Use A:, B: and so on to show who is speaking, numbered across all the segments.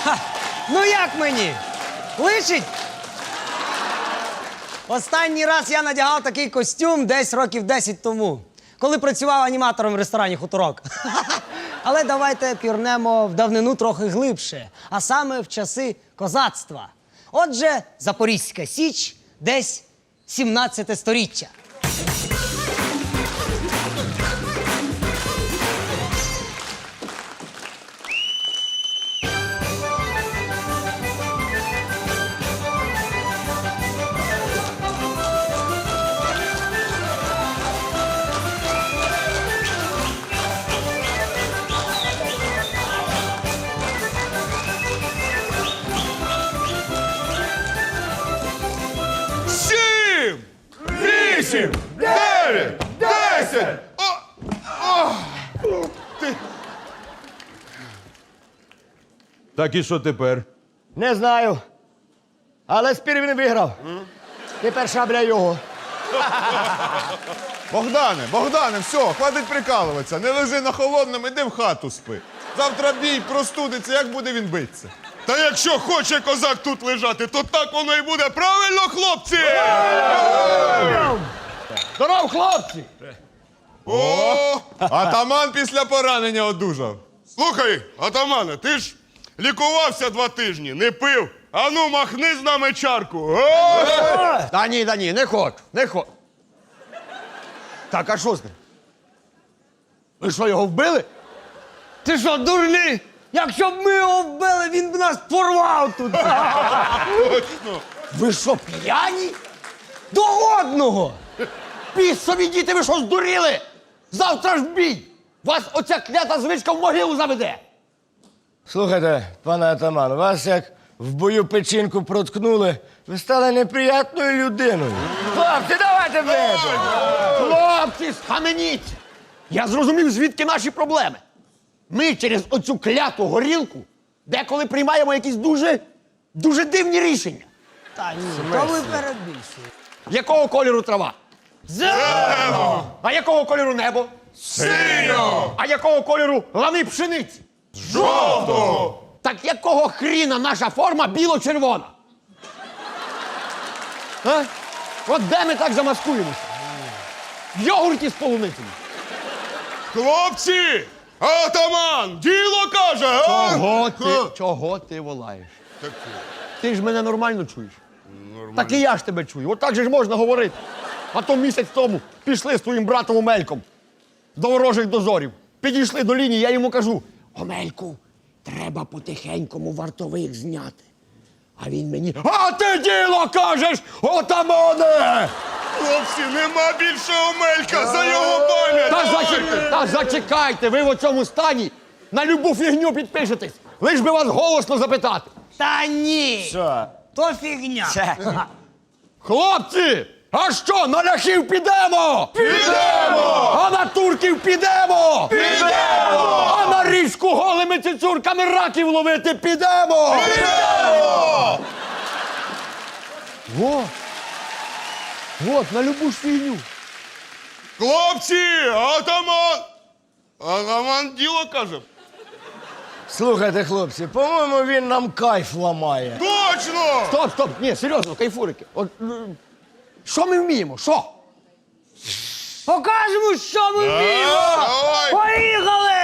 A: Ну як мені? Личить? Останній раз я надягав такий костюм десь років 10 тому, коли працював аніматором в ресторані «Хуторок». Але давайте пірнемо в давнину трохи глибше, а саме в часи козацтва. Отже, Запорізька Січ, десь 17 сторіччя.
B: Сім! Вісім! Дев'ять! Десять!
C: Так і що тепер?
D: Не знаю. Але спір він виграв. Тепер шабля його.
B: Богдане, все, хватить прикалуватися. Не лежи на холодному, іди в хату спи. Завтра бій простудиться, як буде він битися? Та якщо хоче козак тут лежати, то так воно і буде. Правильно, хлопці?
D: Здоров, хлопці!
B: О, атаман після поранення одужав. Слухай, атамане, ти ж лікувався 2 тижні, не пив. Ану, махни з нами чарку.
D: Та ні, не хочу. Так, а що з ним? Ви що, його вбили?
A: Ти що, дурний? Якщо б ми його вбили, він б нас порвав тут.
B: Точно.
D: Ви що, п'яні?
A: До одного!
D: Пісові діти, ви що, здуріли? Завтра ж бій! Вас оця клята звичка в могилу заведе!
E: Слухайте, пане атаман, вас як в бою печінку проткнули, ви стали неприятною людиною. Хлопці, давайте вип'ємо!
D: Хлопці, схаменіться! Я зрозумів, звідки наші проблеми. Ми через оцю кляту горілку деколи приймаємо якісь дуже дивні рішення.
A: Та ні, то ви перебільшуєте.
D: Якого кольору трава?
B: Зелено!
D: А якого кольору небо?
B: Синьо!
D: А якого кольору лани пшениці?
B: Жовто!
D: Так якого хріна наша форма біло-червона? А? От де ми так замаскуємося? В йогурті з полуницями.
B: Хлопці! Атаман! Діло каже! а?
D: Чого ти волаєш? Ти ж мене нормально чуєш? Нормально. Так і я ж тебе чую. От так же ж можна говорити. А то місяць тому пішли з твоїм братом Омельком до ворожих дозорів. Підійшли до лінії, я йому кажу: Омельку, треба потихенькому вартових зняти. А він мені: а ти діло кажеш, отамане!
B: Хлопці, нема більше Омелька за його пам'ять!
D: Та зачекайте, ви в цьому стані на любу фігню підпишетесь. Лиш би вас голосно запитати.
A: Та ні!
E: Що?
A: То фігня.
D: Хлопці, а що, на ляхів підемо?
B: Підемо!
D: А на турків підемо?
B: Підемо!
D: А на річку голими цицюрками раків ловити підемо?
B: Підемо!
D: Вот, на любу ж фігню.
B: Хлопці! Атаман! Атаман діло каже.
E: Слухайте, хлопці, по-моєму, він нам кайф ламає.
B: Точно!
D: Стоп, ні, серйозно, кайфурики. От, що ми вміємо, що?
A: Покажемо, що ми вміємо!
B: Давай!
A: Поїхали!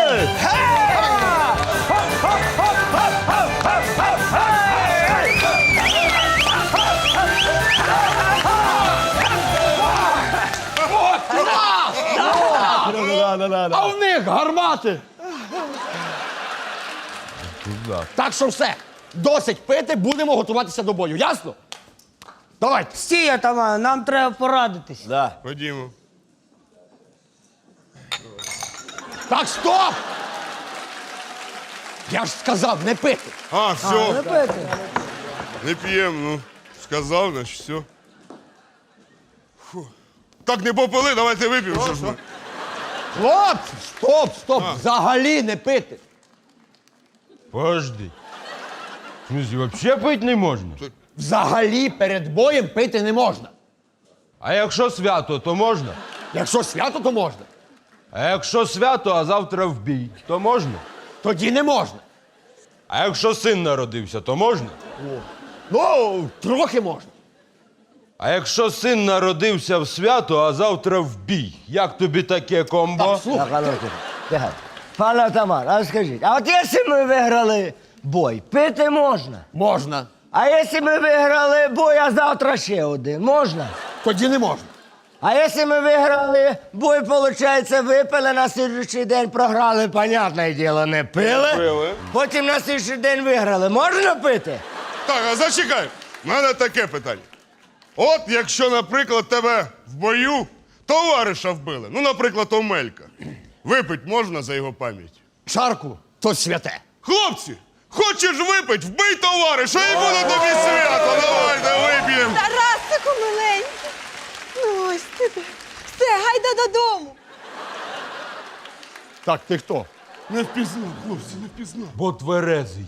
D: А в них гармати. Так що все, досить пити, будемо готуватися до бою, ясно? Давайте.
A: Стій, атаман, нам треба порадитись.
E: Да.
B: Ходімо.
D: Так, стоп! Я ж сказав, не пити.
B: А, все,
A: Не пити.
B: не п'ємо, ну. Сказав, значить, все. Фу. Так, не попили, давайте вип'ємо. Що ж ми?
D: Хлопці, стоп, взагалі не пити.
C: Подожди. В смысле, вообще пить не можна?
D: Взагалі перед боєм пити не можна.
C: А якщо свято, то можна?
D: Якщо свято, то можна.
C: А якщо свято, а завтра в бій, то можна?
D: Тоді не можна.
C: А якщо син народився, то можна?
D: Ну, трохи можна.
C: А якщо син народився в свято, а завтра в бій, як тобі таке комбо?
E: Так, а ну, тихо. Пане атаман, а скажіть, а от якщо ми виграли бой, пити можна?
D: Можна.
E: А якщо ми виграли бой, а завтра ще один, можна?
D: Тоді не можна.
E: А якщо ми виграли бой, виходить, випили, на слідчий день програли, понятне діло, не пили. Потім на слідчий день виграли. Можна пити?
B: Так, а зачекай. У мене таке питання. От якщо, наприклад, тебе в бою товариша вбили, ну, наприклад, Омелька, випить можна за його пам'ять?
D: Чарку то святе.
B: Хлопці, хочеш випить, вбий товариша і буде тобі свято. Давайте вип'ємо.
F: Тарасику, миленький. Ну ось ти де. Все, гайда додому.
D: Так, ти хто?
B: Не впізнав, хлопці, не впізнав.
C: Бо тверезий.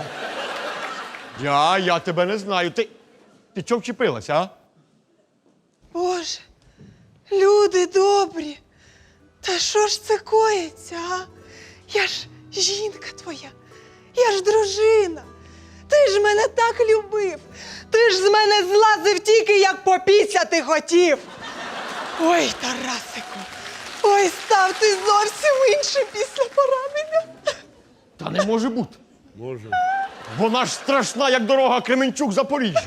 D: Я тебе не знаю. Ти чого вчепилася, а?
F: Боже, люди добрі. Та що ж це коїться, а? Я ж жінка твоя, я ж дружина. Ти ж мене так любив. Ти ж з мене злазив тільки, як попісяти хотів. Ой, Тарасику, ой, став ти зовсім інший після поранення.
D: Та не може бути. Може. Вона ж страшна, як дорога Кременчук-Запоріжжя.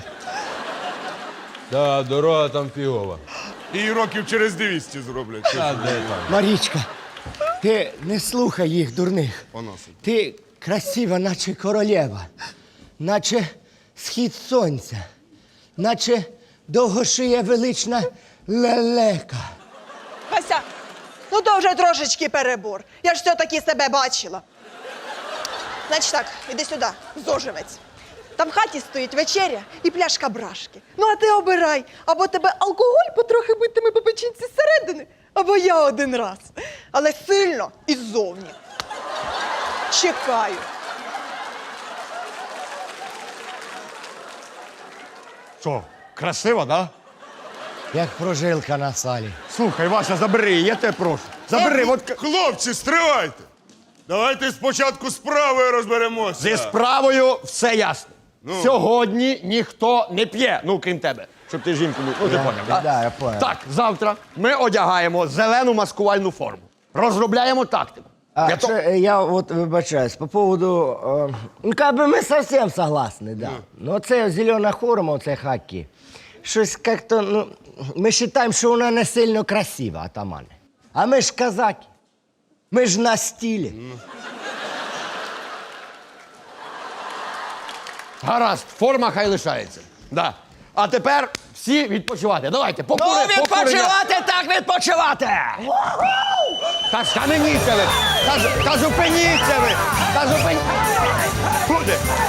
C: Та дорога там фігова.
B: І років через 200 зроблять.
C: Та де там?
E: Марічка, ти не слухай їх, дурних. Ти красива, наче королева, наче схід сонця, наче довгошия велична лелека.
F: Вася, ну то вже трошечки перебор. Я ж все-таки себе бачила. Значить так, іди сюди, зоживець. Там в хаті стоїть вечеря і пляшка брашки. Ну а ти обирай, або тебе алкоголь потрохи битиме по печінці зсередини, або я один раз. Але сильно і ззовні. Чекаю.
D: Що, красиво, да?
E: Як прожилка на салі.
D: Слухай, Вася, забери її, я тебе прошу. Забери, от
B: Хлопці, стривайте. Давайте спочатку з справою розберемося.
D: зі справою все ясно. Сьогодні ніхто не п'є, ну, крім тебе. Щоб ти жінку був. Ну, ти поняв, да?
E: Да, я понял.
D: Так, завтра ми одягаємо зелену маскувальну форму. Розробляємо тактику.
E: А, я вот вибачаюсь, по поводу, ну, как бы мы совсем согласны, да. Но це зелена форма, оце хаки. Щось как-то, ну, ми вважаємо, що вона не сильно красива, атамане. А ми ж казаки. Ми ж на стилі.
D: Гаразд, форма хай лишається. Да. А тепер всі відпочивати. Давайте,
E: Ну,
D: покуримо.
E: відпочивати так відпочивати!
D: Та схаменіться ви! Та зупиніться ви! Та зупиніться! Люди,